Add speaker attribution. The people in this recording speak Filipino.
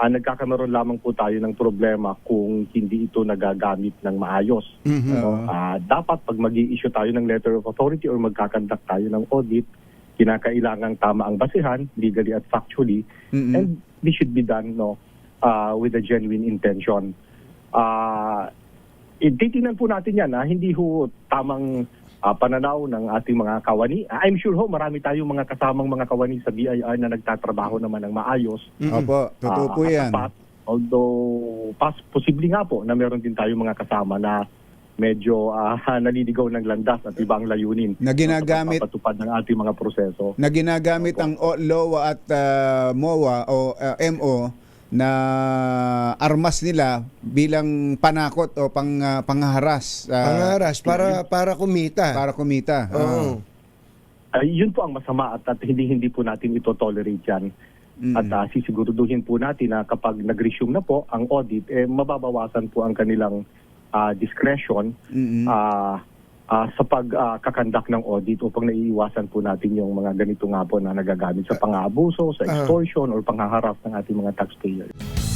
Speaker 1: nagkakaroon lamang po tayo ng problema kung hindi ito nagagamit ng maayos. Dapat pag mag-i-issue tayo ng letter of authority or magkakandak tayo ng audit, kinakailangang tama ang basihan, legally at factually, and this should be done with a genuine intention. Titingnan po natin yan, hindi ho tamang pananaw ng ating mga kawani. I'm sure marami tayong mga kasamang mga kawani sa BIR na nagtatrabaho naman ng maayos.
Speaker 2: Opo, totoo po yan.
Speaker 1: Although, posible nga po na meron din tayong mga kasama na medyo naliligaw ng landas at ibang layunin
Speaker 2: na ginagamit,
Speaker 1: sa pagpapatupad ng ating mga proseso.
Speaker 2: Na ginagamit ang LOA at MOA o MO na armas nila bilang panakot o pangharas.
Speaker 3: Pangharas para kumita.
Speaker 2: Para kumita.
Speaker 1: Yun po ang masama at hindi po natin ito tolerate yan. At sisiguraduhin po natin na kapag nag-resume na po ang audit, mababawasan po ang kanilang discretion sa pagkakandak ng audit upang naiiwasan po natin yung mga ganito nga po na nagagamit sa pang-aabuso, sa extortion or panghaharap ng ating mga taxpayers.